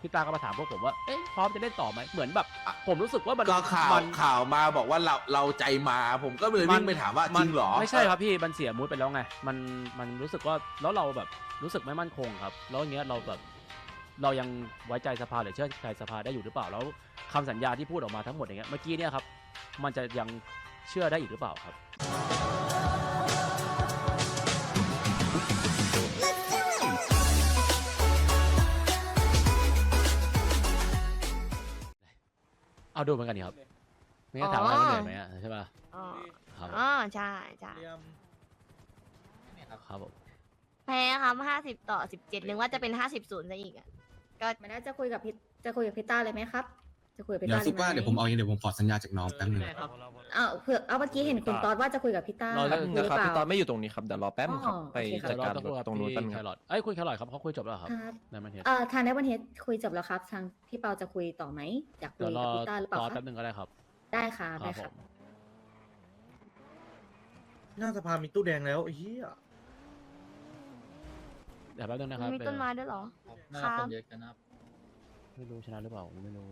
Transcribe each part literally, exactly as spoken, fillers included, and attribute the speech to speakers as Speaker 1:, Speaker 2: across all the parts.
Speaker 1: พี่ตาก็มาถามพวกผมว่าเอ๊ะพร้อมจะเล่นต่อไหมเหมือนแบบผมรู้สึกว่ามัน
Speaker 2: ก็ข่าว
Speaker 1: มัน
Speaker 2: ข่าวมาบอกว่าเราเราใจมาผมก็เลยวิ่งไปถามว่าจริงเหรอ
Speaker 1: ไม่ใช่ครับพี่มันเสียมูดไปแล้วไงมันมันรู้สึกว่าแล้วเราแบบรู้สึกไม่มั่นคงครับแล้วอย่างเงี้ยเราแบบเรายังไว้ใจสภาหรือเชื่อใจสภาได้อยู่หรือเปล่าแล้วคำสัญญาที่พูดออกมาทั้งหมดอย่างเงี้ยเมื่อกี้เนี่ยครับมันจะยังเชื่อได้อีกหรือเปล่าครับเอาดูเหมือนกันนี่ครับไม่งั้นถามว่ามันเหนื่อยไหมอะใช่ป่ะ
Speaker 3: อ๋อ
Speaker 1: ครับ
Speaker 3: อ๋อใช่ใช่
Speaker 1: ครับผม
Speaker 3: แพ้ครับห้าสิบต่อสิบเจ็ดนึกว่าจะเป็นห้าสิบศูนย์ซะอีกอ่ะก็
Speaker 4: ไม่น่าจะคุยกับพี่จะคุยกับพี่ต้าเลยไหมครับ จะคุยกับพี่
Speaker 5: เดี๋ยว
Speaker 4: ต้า
Speaker 5: ซุปว่า
Speaker 4: ล
Speaker 5: เดี๋ยวผมเอาเองเดี๋ยวผมขอสัญญาจากน้องแป๊บนึง
Speaker 4: เอาเผื่อเอาเมื่อกี้เห็นคุณตอดว่าจะคุยกับพี่ต้า
Speaker 1: เราจะ
Speaker 4: หรือ
Speaker 6: นะครับ
Speaker 4: เป
Speaker 6: พี่
Speaker 4: ล่า
Speaker 6: ตอนไม่อยู่ตรงนี้ครับเดี๋ยวรอแป๊บนึงครับ
Speaker 4: อ๋อ
Speaker 6: ไป
Speaker 4: โอเคครับ
Speaker 6: จัดการ
Speaker 1: เดี๋ยวเราจะคุยกับ
Speaker 6: ตรงนู้น
Speaker 1: พี่
Speaker 6: แป๊บนึง
Speaker 1: แค
Speaker 6: ครับ
Speaker 1: รอทเอ้ยคุณแครอทครับเขาคุยจบแล้วเหรอครับ
Speaker 4: ครับ
Speaker 1: ในมันเทส
Speaker 4: เอ่อทางในวันเฮดคุยจบแล้วครับ ทางพี่เปาจะคุยต่อไหมอยากคุ
Speaker 1: เดี๋ย
Speaker 4: ยว
Speaker 1: ร
Speaker 4: กั
Speaker 1: อบ
Speaker 4: พี่ต้าหรือเปล่า
Speaker 1: รอ
Speaker 4: ครั
Speaker 1: แป๊
Speaker 4: บบ
Speaker 1: นึงก็ได้ครับ
Speaker 4: ได้ค่ะ
Speaker 1: ค
Speaker 4: ได้
Speaker 1: รับผ
Speaker 4: ค่ะ
Speaker 1: ม
Speaker 7: หน้าสภามีตู้แดงแล้วไอ้เหี้ย
Speaker 1: เดี๋ยวแป๊บนึงนะครับ
Speaker 3: มีต้นไม้ด้วยเหรอ
Speaker 8: หน้า
Speaker 3: ครับ
Speaker 8: คนเยอะกันนะครับ
Speaker 1: ไม่รู้ชนะหรือเปล่าผมไม่รู้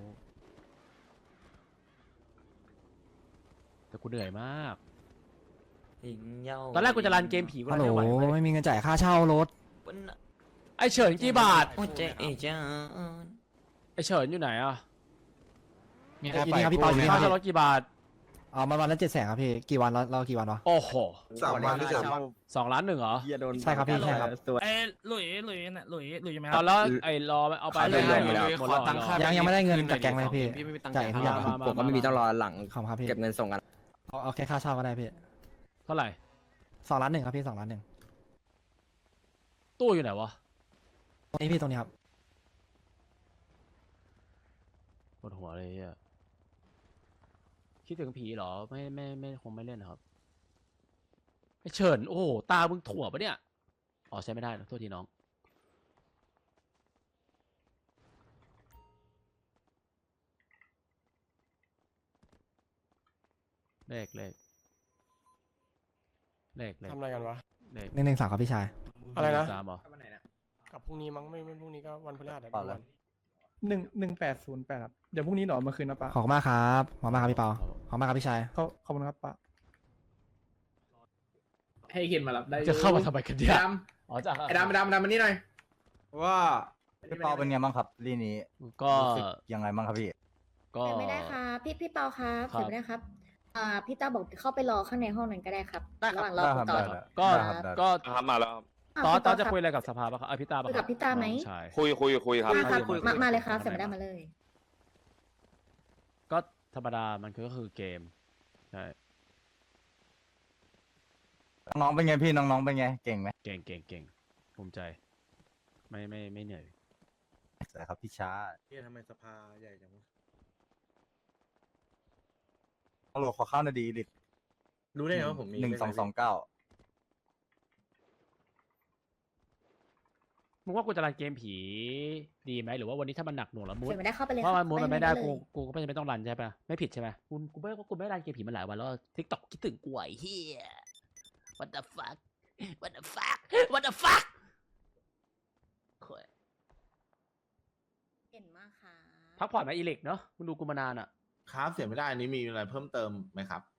Speaker 1: แต่กูเหนื่อยมากตอนแรกกูจะรันเกมผีกู
Speaker 9: ฮั
Speaker 1: รั
Speaker 9: ล
Speaker 1: น
Speaker 9: โหล
Speaker 1: ไม่ไหวเว้ย
Speaker 9: ไม่มีเงินจ่ายค่าเช่ารถ
Speaker 1: ไอเฉินกี่บาท
Speaker 8: โอ้เจ๊เอจ้า
Speaker 1: ไอเฉินอยู่ไหนอ่ะ
Speaker 9: มีครับพี่ครับพี่เปาอยู่นี่
Speaker 1: ค่า
Speaker 9: ค
Speaker 1: เช่า
Speaker 9: รับ
Speaker 1: รถกี่บาท
Speaker 9: อ๋อมันวันละเจ็ดแสนครับพี่กี่วันเราเรากี่วันวะ
Speaker 1: โอ้โห
Speaker 2: สามวันหรือสามวัน
Speaker 1: สองล้านหนึ่งเหรอ
Speaker 9: ใช่ครับพี่ใช่ครับ
Speaker 10: เอ้ยหลุยหลุยน่ะหลุยหลุยอยู่ไหมค
Speaker 1: ต
Speaker 10: รั
Speaker 1: อบ นแล้วไอ้รอเอาไป
Speaker 6: เขาได้รวมหมดแล้ว
Speaker 1: หมดแล้วเหรอ
Speaker 9: ยังยังไม่ได้เงินจากแกงเลยพี่
Speaker 6: พี่ไม่มีตังค์
Speaker 9: จ่ายทุกอย่าง
Speaker 1: มามา
Speaker 6: ผมก็ไม่มีต้องรอหลัง
Speaker 9: ขอบคุณครับพี่
Speaker 6: เก็บเงินส่งกัน
Speaker 9: เอาเอาแค่ค่าเช่าก็ได้พี่
Speaker 1: เท่าไหร่
Speaker 9: สองล้านหนึ่งครับพี่สองล้านหนึ่ง
Speaker 1: ตู้อยู่ไหนวะ
Speaker 9: ตรงนี้พี่ตรงนี้ครับ
Speaker 1: ปวดหัวเลยเฮียคิดถึงผีเหรอไม่ไม่ไม่คงไม่เล่นนะครับไอเฉินโอ้โหตามึงถั่วปะเนี่ยอ๋อใช้ไม่ได้นะโทษทีน้องเลขเลขเลขเลข
Speaker 6: ทำอะไรกันวะ
Speaker 1: เลข
Speaker 9: หนึ่งหนึ่งสามครับพี่ชาย
Speaker 6: อะไรนะ
Speaker 1: สามเหรอ
Speaker 6: กับพรุ่งนี้มั้งไม่ไม่พรุ่งนี้ก็วันพฤหัส
Speaker 9: เปล่าเลย
Speaker 11: หนึ่งหนึ่งแปดศูนย์แปดครับเดี๋ยวพรุ่งนี้หนอมาคืนนะป้า
Speaker 9: ขอบคุณมากครับขอบคุณมากครับพี่เปาขอบคุณมากครับพี่ชาย
Speaker 11: เขาขอบคุณครับป้า
Speaker 7: ให้เขียนมารับได้
Speaker 1: จะเข้ามาทำไมกันเนี่ย
Speaker 7: ด
Speaker 1: อ๋อจ้ะ
Speaker 7: ำไอ้ดำไอ้ดำไอ้ดำมานี่หน่อย
Speaker 2: ว่า
Speaker 7: พี่เปาเป็นไงบ้างครับ
Speaker 2: ลีนี้
Speaker 1: ก็
Speaker 2: ยังไงบ้างครับพี่
Speaker 1: ก็
Speaker 4: เสียไม่ได้ครับพี่พี่เปาครับ
Speaker 1: ครับ
Speaker 4: เสียไม่ได้ครับอ่าพี่ต้าบอกเข้าไปรอข้างในห้องนั้นก็ได้ครับ
Speaker 1: ได้ครับ
Speaker 4: ระหว่างรอคุณตอด
Speaker 1: ก็
Speaker 2: ได้ครับได้
Speaker 1: ก็
Speaker 6: ครับมาแล้วครับ
Speaker 4: าว
Speaker 1: ตอน
Speaker 4: คุณ
Speaker 1: ตอน
Speaker 4: ด
Speaker 1: จะ
Speaker 4: ครับ
Speaker 1: คุยอะไรกับสภาปะครับเอ้ยพี่ตาปะ
Speaker 4: คุยกับพี่ต้าไหม
Speaker 1: น้องชาย
Speaker 6: คุยคุยคุยครับ
Speaker 4: ได้ครับ
Speaker 1: คุยคุย
Speaker 4: มา
Speaker 1: คุย
Speaker 4: มาเลยครับ
Speaker 1: คุย
Speaker 4: เสียไม่ได้มาเลย
Speaker 1: ก็ธรรมดามันคือก็คือเกมใช่
Speaker 2: น้องเป็นไงพี่น้องๆเป็นไงเก่งไหม
Speaker 1: เก่งเก่งเก่งภูมิใจ ไม่ไม่ไม่เหนื่อย
Speaker 2: ใช่ครับพี่ช้า
Speaker 7: เฮียทำไมสภาใหญ่จังวะ
Speaker 2: ฮัลโหลขอเข้าหนาดีลิต
Speaker 7: รู้ได้ไงว่าผมมี
Speaker 2: หนึ่งสองสองเก้า
Speaker 1: มึงว่ากูจะรันเกมผีดีไหมหรือว่าวันนี้ถ้ามันหนักหน่วงแล้วมูด
Speaker 4: เสียไม่ได้เข้าไปเลย
Speaker 1: เพราะมันมูดมันไม่ได้
Speaker 4: ป
Speaker 1: กู
Speaker 4: เลย
Speaker 1: กูก็ไม่ต้องรันใช่ปะไม่ผิดใช่ไหมกูกูไม่กูไม่รันเกมผีมันหลายวันแล้วทิกตอกคิดถึงกูไอ้เฮีย what the fuck what the fuck what the fuck โถ่
Speaker 4: เก่งมากค่ะ
Speaker 1: พักผ่อนมาอีเล็กเนาะมึงดูกูมานานอ่ะ
Speaker 2: ครับเสียไม่ได้อันนี้มีอะไรเพิ่มเติมไหมครับ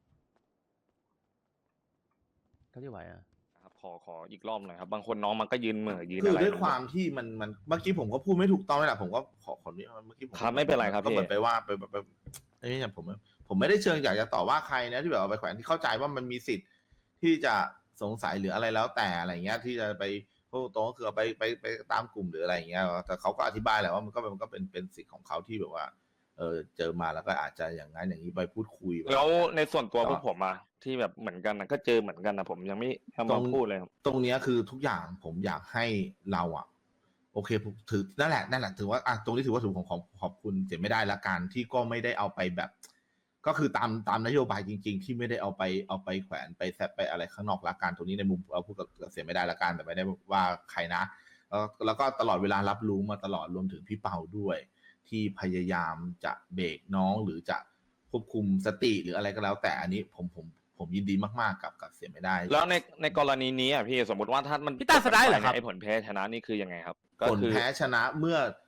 Speaker 1: เท่าที่ไหวอ่ะ
Speaker 6: ครับขอขออีกรอบหน่อยครับ บางคนน้องมันก็ยืนเหม่อยืน
Speaker 2: คือ
Speaker 6: อะไร
Speaker 2: ด้วยความที่มันมันเมื่อกี้ผมก็พูดไม่ถูกต้องเลยแหละผมก็ขอขออนุญาตเมื่อกี้ผม
Speaker 6: ครับไม่เป็นไรครับ
Speaker 2: ก็เหมือน
Speaker 6: พี่
Speaker 2: ไปว่าไปแบบไปเอ้ยอย่างผมผมไม่ได้เชิงอยากจะต่อว่าใครนะที่แบบเอาไปแขวนที่เข้าใจว่ามันมีสิทธิ์ที่จะสงสัยหรืออะไรแล้วแต่อะไรเงี้ยที่จะไปพูดตรงก็คือเอาไปไปไปตามกลุ่มหรืออะไรเงี้ยแต่เขาก็อธิบายแหละว่ามันก็มันก็เป็นเป็นสิทธิ์ของเขาที่แบบว่าเออเจอมาแล้วก็อาจจะอย่างนั้นอย่างนี้ไปพูดคุย
Speaker 6: แล้วในส่วนตัว
Speaker 2: ก็
Speaker 6: พวกผมอะที่แบบเหมือนกันนะก็เจอเหมือนกันนะผมยังไม่ยังมาพูดเลยครับ
Speaker 2: ตรงเนี้ยคือทุกอย่างผมอยากให้เราอะโอเคผมถือนั่นแหละนั่นแหละถือว่าอ่ะตรงนี้ถือว่าถือของขอบขอบคุณเสียไม่ได้ละกันที่ก็ไม่ได้เอาไปแบบ ก็คือตามตามนโยบายจริง ๆ ที่ไม่ได้เอาไปเอาไปแขวนไปแซะไปอะไรข้างนอกละกันตรงนี้ในมุมเราพูดกับเสียไม่ได้ละกันแต่ไม่ได้ว่าใครนะแล้วแล้วก็ตลอดเวลารับรู้มาตลอดรวมถึงพี่เปาด้วย ที่พยายามจะเบรกน้องหรือจะควบคุมสติหรืออะไรก็แล้ว แต่อันนี้ผมผมผมยินดีมากๆกับกับเสียไม่ได้
Speaker 6: แล้วในในกรณีนี้อ่ะพี่สมมติว่าถ้ามัน
Speaker 1: พี่ตาสไลด์เหรอครับ
Speaker 6: ไอ้ผลแพ้ชนะนี่คือยังไงครับ ก็
Speaker 2: ผล
Speaker 6: คือ
Speaker 2: แพ้ชนะเมื่อ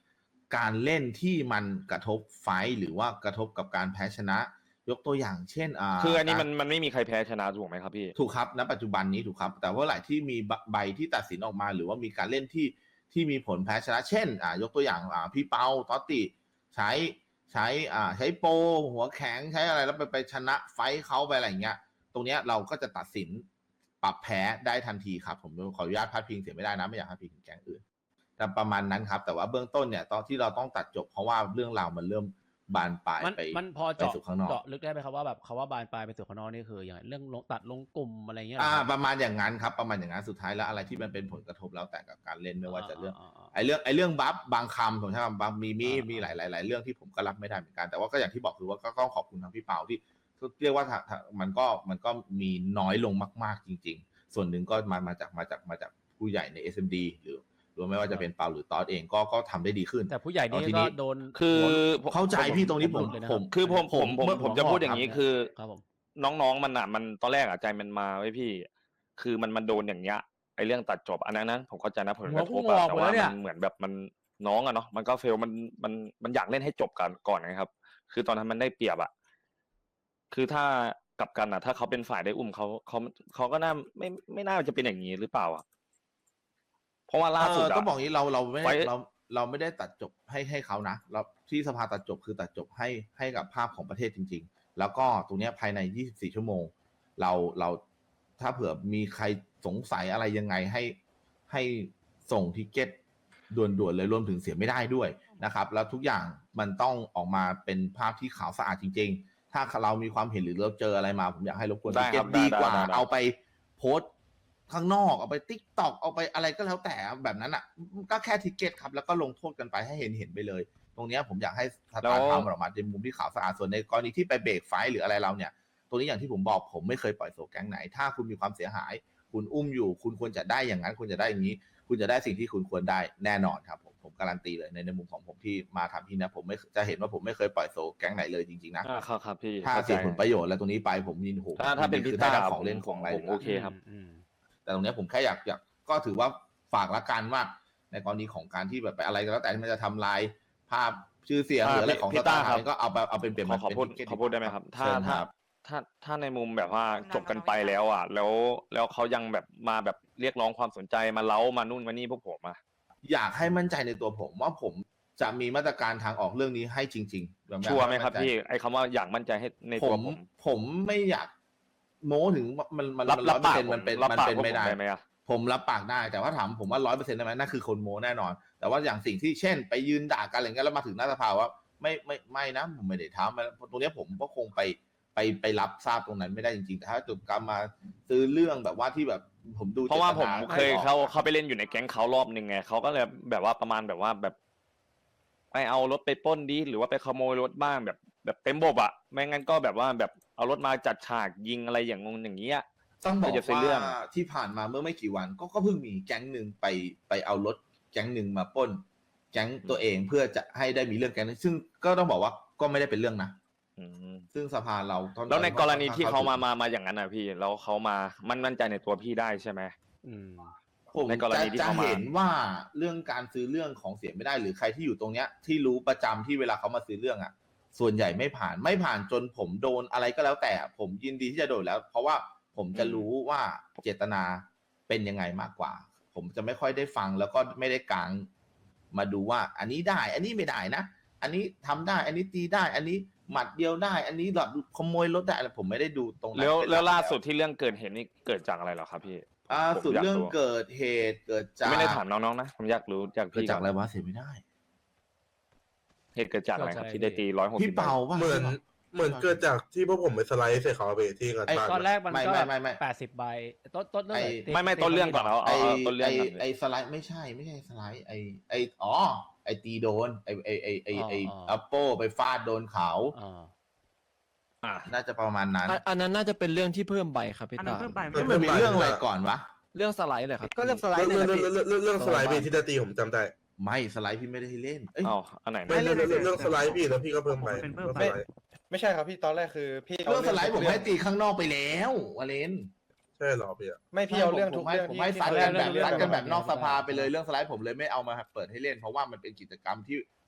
Speaker 2: การเล่นที่มันกระทบไฟท์หรือว่ากระทบกับการแพ้ชนะ ยกตัวอย่างเช่นอ่า
Speaker 6: คืออันนี้
Speaker 2: การ
Speaker 6: มันมันไม่มีใครแพ้ชนะถูกไหมครับพี่
Speaker 2: ถูกครับณปัจจุบันนี้ถูกครับ แต่ว่าหลายที่มีใบที่ตัดสินออกมา หรือว่ามีการเล่นที่ที่มีผลแพ้ชนะ เช่นอ่ายกตัวอย่างอ่าพี่เปาตอตติใช้ใช้อ่าใช้โปรหัวแข็งใช้อะไรแล้วไปไปชนะไฟท์เขาไปอะไรอย่างเงี้ย ตรงเนี้ยเราก็จะตัดสินปรับแพ้ได้ทันทีครับผมขออนุญาตพาดพิงเสียไม่ได้นะไม่อยากพาดพิงถึงแก๊งอื่นแต่ประมาณนั้นครับแต่ว่าเบื้องต้นเนี่ยตอนที่เราต้องตัดจบเพราะว่าเรื่องราวมันเริ่มบานปลาย
Speaker 1: มัน
Speaker 2: ไป
Speaker 1: มันพอ
Speaker 2: ไป
Speaker 1: เจาะ
Speaker 2: สู่ข้างนอก
Speaker 1: เจาะลึกได้ไหมครับว่าแบบคาว่าบานปลายไปสู่ข้างนอกนี่คืออย่างไรเรื่องลงตัดลงกลุ่มอะไรเงี้ยเหร
Speaker 2: อ่า
Speaker 1: ครับ
Speaker 2: ประมาณอย่างนั้นครับประมาณอย่างนั้นสุดท้ายแล้วอะไรที่มันเป็นผลกระทบแล้วแต่กับการเล่นไม่ว่าจะเรื่อง
Speaker 1: าา
Speaker 2: ไอ้เรื่องไอ้เรื่องบัฟบางคำผมใช้คำบางมีมี
Speaker 1: อ่ามี
Speaker 2: มีหลายหลายหลายเรื่องที่ผมก็รับไม่ได้เหมือนกันแต่ว่าก็อย่างที่บอกคือว่าก็ต้องขอบคุณทางพี่เปาที่เรียกว่าถ้าถ้ามันก็มันก็มีน้อยลงมากๆจริง ๆ ส่วนหนึ่งก็มามาจากมาจากมาจากผู้ใหญ่ใน เอส เอ็ม ดี หรือหรือไม่ว่าจะเป็นเปาหรือตอสเองก็ก็ทำได้ดีขึ้น
Speaker 1: แต่ผู้ใหญ่นี่
Speaker 2: เอาที
Speaker 1: ก็
Speaker 2: นี้
Speaker 1: โดน
Speaker 6: คือ
Speaker 1: หัว
Speaker 2: เข้าใจพี่ตรงนี้ผม
Speaker 1: หลุดเลยนะ
Speaker 2: ผ
Speaker 1: รับ
Speaker 2: ม
Speaker 6: คือผมผมผม
Speaker 2: เมื่อ
Speaker 6: ผมจะ
Speaker 2: หัว
Speaker 6: พูดอย่างนี้
Speaker 2: ครับ
Speaker 6: คือ
Speaker 1: ครับผม
Speaker 6: น้องๆมันอ่ะมันตอนแรกอ่ะใจมันมาไว้พี่ คือมันมันโดนอย่างเงี้ยไอเรื่องตัดจบอันนั้นนะผมเข้าใจนะผลกระทบ
Speaker 1: หัว
Speaker 6: อะ
Speaker 1: พุ่งออก
Speaker 6: แต่ว่า
Speaker 1: หมดแล้วเนี่ย
Speaker 6: มันเหมือนแบบมันน้องอะเนาะมันก็เฟลมันมันมันอยากเล่นให้จบกันก่อนนะครับ คือตอนนั้นมันได้เปรียบอะคือถ้ากลับกันอะถ้าเขาเป็นฝ่ายได้อุ้มเขาเขาเขาก็น่าไม่ไม่น่าจะเป็นอย่างนี้หรือเปล่าอะเพราะว่าล่าสุด
Speaker 2: เออ
Speaker 6: อะ
Speaker 2: ต้องบอกงี้เราเราไม่
Speaker 6: ไว้
Speaker 2: ได้เราเราไม่ได้ตัดจบให้ให้เขานะเราที่สภาตัดจบคือตัดจบให้ให้กับภาพของประเทศจริง ๆ แล้วก็ตรงเนี้ยภายในยี่สิบสี่ชั่วโมง เราเราถ้าเผื่อมีใครสงสัยอะไรยังไงให้ให้ส่งทิเก็ตด่วนๆเลยรวมถึงเสียไม่ได้ด้วยนะครับ แล้วทุกอย่างมันต้องออกมาเป็นภาพที่ขาวสะอาดจริง ๆ ถ้าเรามีความเห็นหรือเราเจออะไรมาผมอยากให้รบกวน
Speaker 6: ได้
Speaker 2: ทิเก็
Speaker 6: ครั
Speaker 2: ต
Speaker 6: บ
Speaker 2: ดีกว่า
Speaker 6: ได้ได้ได้
Speaker 2: เอาไปโพสต์ข้างนอกเอาไปติ๊กตอกเอาไปอะไรก็แล้วแต่แบบนั้นอ่ะก็แค่ทิเก็ตครับแล้วก็ลงโทษกันไปให้เห็นเห็นไปเลย ตรงเนี้ยผมอยากให้สตาร์ทำออกมาในมุมที่ขาวสะอาดส่วนในกรณีที่ไปเบรกไฟท์หรืออะไรเราเนี่ยตรงนี้อย่างที่ผมบอกผมไม่เคยปล่อยโซแก๊งไหน ถ้าคุณมีความเสียหาย คุณอุ้มอยู่ คุณควรจะได้อย่างนั้นคุณจะได้อย่างนี้ คุณจะได้สิ่งที่คุณควรได้แน่นอนครับผมผมการันตีเลยในในมุมของผมที่มาทำที่นะผมไม่จะเห็นว่าผมไม่เคยปล่อยโซแก๊งไหนเลยจริงๆนะ
Speaker 6: อ่าครับครับพี่
Speaker 2: ถ้า
Speaker 6: เข้าใจ
Speaker 2: เสียผลประโยชน์แล้วตรงนี้ไปผมยินโห
Speaker 6: ถ้าถ้าเป็น
Speaker 2: คื
Speaker 6: พิ
Speaker 2: อได้
Speaker 6: ต้า
Speaker 2: ทั้งของเล่น
Speaker 6: ผม
Speaker 2: ของอะไร
Speaker 6: ผม
Speaker 2: เลยนะ
Speaker 6: โอเคครับ
Speaker 1: อืม
Speaker 2: แต่ตรงเนี้ยผมแค่อยากอยากก็ถือว่าฝากละกันว่าในกรณีของการที่แบบไปอะไรก็แล้วแต่ที่มันจะทำลายภาพชื่อเสียงหรืออะไรของ
Speaker 6: พี่
Speaker 2: สตา
Speaker 6: ต้า
Speaker 2: ร์
Speaker 6: ครับ
Speaker 2: ก็เอาไปเอาเป็นเปลี่ยน
Speaker 6: ขอขอพูด
Speaker 2: เป็น ticket
Speaker 6: ขอพูดได้ไหมครับ ถ้า
Speaker 2: เชิญ
Speaker 6: ถ้า
Speaker 2: ครับ
Speaker 6: ถ้าถ้าในมุมแบบว่าจบกันไปแล้วอ่ะ แล้วแล้วเขายังแบบมาแบบเรียกร้องความสนใจมาเล้ามานู่นมานี่พวกผมอ่ะ
Speaker 2: อยากให้มั่นใจในตัวผมว่าผมจะมีมาตรการทางออกเรื่องนี้ให้จริงๆแบบอยาก
Speaker 6: ชัวร์ไหมครับ
Speaker 2: มั่นใจ
Speaker 6: พี่ไอ้คำว่าอยากมั่นใจให้ใน
Speaker 2: ผ
Speaker 6: ตัว
Speaker 2: ม
Speaker 6: ผม
Speaker 2: ผมไม่อยากโม้ถึงว่ามันมัน
Speaker 6: รับ
Speaker 2: มัน
Speaker 6: รั
Speaker 2: ร้
Speaker 6: บ
Speaker 2: อยเปอร์
Speaker 6: ปาก
Speaker 2: เซ็นต์มันเป็น
Speaker 6: รับ
Speaker 2: มัน
Speaker 6: ปาก
Speaker 2: เป็น
Speaker 6: พวก
Speaker 2: ไม่
Speaker 6: ผม
Speaker 2: ได้
Speaker 6: ได้ไหมอ่ะ
Speaker 2: ผมรับปากได้แต่ว่าถามผมว่าร้อยเปอร์เซ็นต์ได้ไหมนั่นคือคนโม้แน่นอน แต่ว่าอย่างสิ่งที่เช่น ไปยืนด่ากันอะไรเงี้ยแล้วมาถึงหน้าสภาว่าไม่ไม่ไม่นะผมไม่ได้ทำตรงเนี้ยผมก็คงไปไปไปรับทราบตรงนั้นไม่ได้จริงๆแต่ถ้าจุดกรรมมาซื้อเรื่องแบบว่าที่แบบผมดู
Speaker 6: เพราะว่าผม
Speaker 2: จตน
Speaker 6: เคย
Speaker 2: ให้ออก
Speaker 6: เขาเขาไปเล่นอยู่ในแก๊งเขารอบหนึ่งไงเขาก็เลยแบบว่าประมาณแบบว่าแบบ ไปเอารถไปปล้นดีหรือว่าไปขโมยรถบ้างแบบแบบเต็มบบอ่ะไม่งั้นก็แบบว่าแบบเอารถมาจัดฉากยิงอะไรอย่างงงอย่างเงี้ย
Speaker 2: ต้องบอก
Speaker 6: จะซื้อ
Speaker 2: ว่า
Speaker 6: เรื่อง
Speaker 2: ที่ผ่านมาเมื่อไม่กี่วันก็ก็เพิ่งมีแก๊งหนึ่งไปไปเอารถแก๊งหนึ่งมาปล้น แก๊งตัวเองเพื่อจะให้ได้มีเรื่องแก๊งนั้นซึ่งก็ต้องบอกว่าก็ไม่ได้เป็นเรื่องนะ
Speaker 6: อืม
Speaker 2: ซึ่งสภาเราตอน
Speaker 6: แล้วในกรณีที่เขามา
Speaker 2: ถึง
Speaker 6: มามาอย่างนั้นนะพี่แล้วเขามามันมั่นใจในตัวพี่ได้ใช่ไหม
Speaker 1: อืม
Speaker 2: ผม
Speaker 6: ในกร
Speaker 2: จะ
Speaker 6: ณีที่
Speaker 2: จะ
Speaker 6: เขามา
Speaker 2: เห็นว่าเรื่องการซื้อเรื่องของเสียไม่ได้ หรือใครที่อยู่ตรงเนี้ยที่รู้ประจำที่เวลาเขามาซื้อเรื่องอ่ะ ส่วนใหญ่ไม่ผ่านไม่ผ่านจนผมโดนอะไรก็แล้วแต่ ผมยินดีที่จะโดนแล้ว เพราะว่าผมจะรู้ว่าเจตนาเป็นยังไงมากกว่า ผมจะไม่ค่อยได้ฟังแล้วก็ไม่ได้กลางมาดูว่า อันนี้ได้ อันนี้ไม่ได้นะ อันนี้ทำได้ อันนี้ตีได้ อันนี้หมัดเดียวได้ อันนี้แบบขโมยรถได้อะไรผมไม่ได้ดูตรงนั้น
Speaker 6: แล้ว
Speaker 2: เป็นห
Speaker 6: แล้ว
Speaker 2: ก
Speaker 6: ล่าสุดที่เรื่องเกิดเหตุนี่เกิดจากอะไรเหรอครับพี่
Speaker 2: อ่า
Speaker 6: ผม
Speaker 2: สุด
Speaker 6: ยาก
Speaker 2: เรื่อง
Speaker 6: รู้
Speaker 2: เกิดเหตุเกิดจาก
Speaker 6: ไม่ได้ถามน้องๆนะผมอยากรู้จาก
Speaker 2: เกิด
Speaker 6: พี่
Speaker 2: จากอะไร
Speaker 6: ก่น
Speaker 2: วะเสียไม่ได้
Speaker 6: เหตุเกิดจากอะไรครับ
Speaker 1: เกิดจาก
Speaker 6: ที่ได้ตีร้อยหกสิบ
Speaker 2: พี่เปาป่ะ
Speaker 8: เหมือนเหมือนเกิดจากที่พวกผมไปสไลด์ใส่เขาไปที่กัน
Speaker 2: ไอ้
Speaker 8: บ้าน
Speaker 1: ตอนแรกมัน
Speaker 2: ไม่
Speaker 1: ก็
Speaker 2: ไม่ไม่ไม่
Speaker 1: แปดสิบใบต้นต้นเรื่อง
Speaker 2: ไอ้
Speaker 1: หน
Speaker 6: ไม่ไม่ต้นเรื่องก่อนเอา
Speaker 2: ไอ
Speaker 6: เอาเอาต้นเรื่
Speaker 2: ไอ
Speaker 6: องก่อน
Speaker 2: ไอสไลด์ไม่ใช่ไม่ใช่สไลด์ไอไออ๋อไอตีโดนไอไอไอไอไออัปโปไปฟาดโดนเขา
Speaker 1: อ่า
Speaker 6: อ่ะ
Speaker 2: น่าจะประมาณนั้น
Speaker 12: อันนั้นน่าจะเป็นเรื่องที่เพิ่มใบครับพี่
Speaker 7: อันนั้
Speaker 12: ตาน
Speaker 7: เพิ่มไป
Speaker 2: เอ้ยมันมีเรื่องอะไรก่อนวะ
Speaker 12: เรื่องสไลด์เลยครับ
Speaker 11: ก็เรื่องสไล
Speaker 8: เรื่
Speaker 11: ด์
Speaker 8: อง
Speaker 11: เนี่ย
Speaker 8: เรื่อง
Speaker 11: แหละพี่
Speaker 8: เรื่องเรื่องสไลด์พี่ที่จะตีผมจำได้
Speaker 2: ไม่สไลด์พี่ไม่ได้ให้เล่นเอ้ย
Speaker 6: อ๋ออันไหนนะ
Speaker 8: ไม่เรื่องเรื่องเรื่องสไลด์พี่แล้วพี่ก็เพิ่มไป
Speaker 7: เป็นเพิ่ม
Speaker 8: เรื่อง
Speaker 7: ไป
Speaker 8: สไลด์
Speaker 11: ไม่ใช่ครับพี่ตอนแรกคือพี่
Speaker 2: เรื่องสไลด์ผมให้ตีข้างนอกไปแล้ววาเลน
Speaker 8: ใช่เหรอพี่อะ
Speaker 11: ไม่พี่เอาเรื่อง
Speaker 2: ผม
Speaker 11: ทุก
Speaker 2: ให้
Speaker 11: เรื่อง
Speaker 2: ผม
Speaker 11: ที่
Speaker 2: ให้
Speaker 11: ที่
Speaker 2: ซัด
Speaker 11: เขา
Speaker 2: กันแบบ
Speaker 11: เรื่อง
Speaker 2: ซัดกันแบบ
Speaker 11: เรื่อง
Speaker 2: นอกสภาไปเลยเรื่องสไลด์ผมเลยไม่เอามาเปิดให้เล่น เพราะว่ามันเป็นกิจกรรมที่